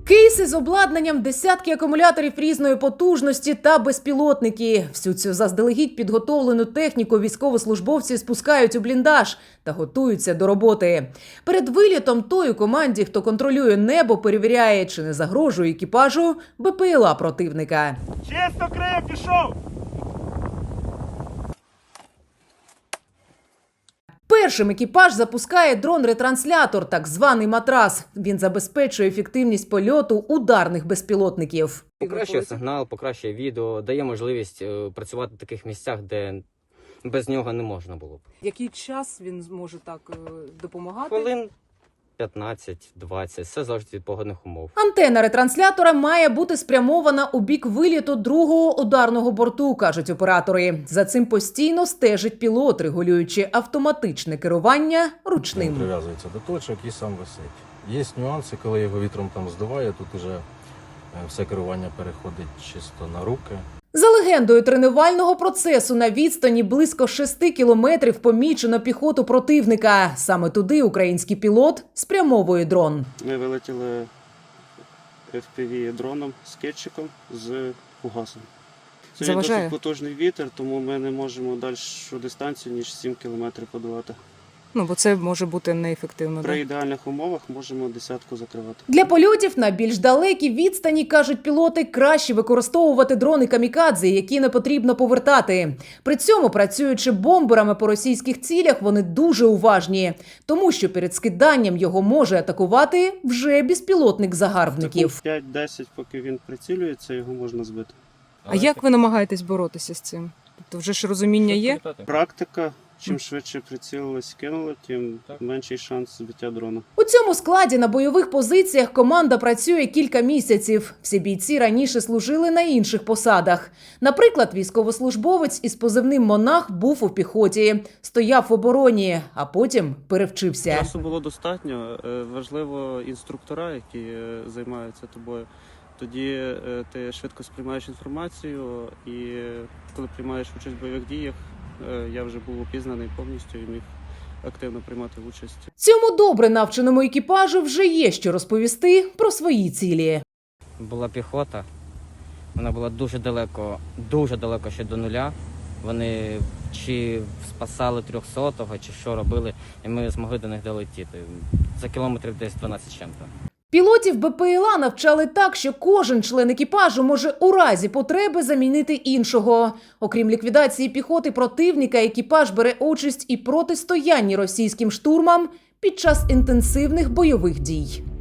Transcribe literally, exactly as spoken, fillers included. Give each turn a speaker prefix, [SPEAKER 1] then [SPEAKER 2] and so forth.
[SPEAKER 1] Кейси з обладнанням, десятки акумуляторів різної потужності та безпілотники. Всю цю заздалегідь підготовлену техніку військовослужбовці спускають у бліндаж та готуються до роботи. Перед вилітом тої команді, хто контролює небо, перевіряє, чи не загрожує екіпажу БПЛА противника.
[SPEAKER 2] Чисто, Крим, пішов!
[SPEAKER 1] Першим екіпаж запускає дрон-ретранслятор, так званий матрас. Він забезпечує ефективність польоту ударних безпілотників.
[SPEAKER 3] Покращує сигнал, покращує відео, дає можливість е, працювати в таких місцях, де без нього не можна було б.
[SPEAKER 4] Який час він зможе так е, допомагати?
[SPEAKER 3] Хвилин п'ятнадцять-двадцять, все залежить від погодних умов.
[SPEAKER 1] Антена ретранслятора має бути спрямована у бік виліту другого ударного борту, кажуть оператори. За цим постійно стежить пілот, регулюючи автоматичне керування ручним.
[SPEAKER 5] Він прив'язується до точок і сам висить. Є нюанси, коли його вітром там здуває, тут уже все керування переходить чисто на руки.
[SPEAKER 1] За легендою тренувального процесу на відстані близько шести кілометрів помічено піхоту противника. Саме туди український пілот спрямовує дрон.
[SPEAKER 6] Ми вилетіли еф пі ві-дроном з кетчиком з фугасом. Це
[SPEAKER 4] Заважає?
[SPEAKER 6] досить потужний вітер, тому ми не можемо дальшу дистанцію, ніж сім кілометрів подолати.
[SPEAKER 4] Ну, бо це може бути неефективно.
[SPEAKER 6] При
[SPEAKER 4] Да?
[SPEAKER 6] ідеальних умовах можемо десятку закривати.
[SPEAKER 1] Для польотів на більш далекій відстані, кажуть пілоти, краще використовувати дрони камікадзе, які не потрібно повертати. При цьому, працюючи бомберами по російських цілях, вони дуже уважні, тому що перед скиданням його може атакувати вже безпілотник загарбників.
[SPEAKER 6] п'ять-десять, поки він прицілюється, його можна збити.
[SPEAKER 4] А як ви намагаєтесь боротися з цим? Тобто вже ж розуміння є?
[SPEAKER 6] Практика. Чим швидше прицілились, кинули, тим менший шанс збиття дрона.
[SPEAKER 1] У цьому складі на бойових позиціях команда працює кілька місяців. Всі бійці раніше служили на інших посадах. Наприклад, військовослужбовець із позивним «Монах» був у піхоті, стояв в обороні, а потім перевчився.
[SPEAKER 6] Часу було достатньо. Е, Важливо інструктора, які е, займаються тобою. Тоді е, ти швидко сприймаєш інформацію і е, коли приймаєш участь в бойових діях, е, я вже був опізнаний повністю і міг активно приймати участь.
[SPEAKER 1] Цьому добре навченому екіпажу вже є що розповісти про свої цілі.
[SPEAKER 3] Була піхота, вона була дуже далеко, дуже далеко ще до нуля. Вони чи спасали трьохсотого, чи що робили, і ми змогли до них долетіти. За кілометрів десь дванадцять з чим-то.
[SPEAKER 1] Пілотів БПЛА навчали так, що кожен член екіпажу може у разі потреби замінити іншого. Окрім ліквідації піхоти противника, екіпаж бере участь і протистоянні російським штурмам під час інтенсивних бойових дій.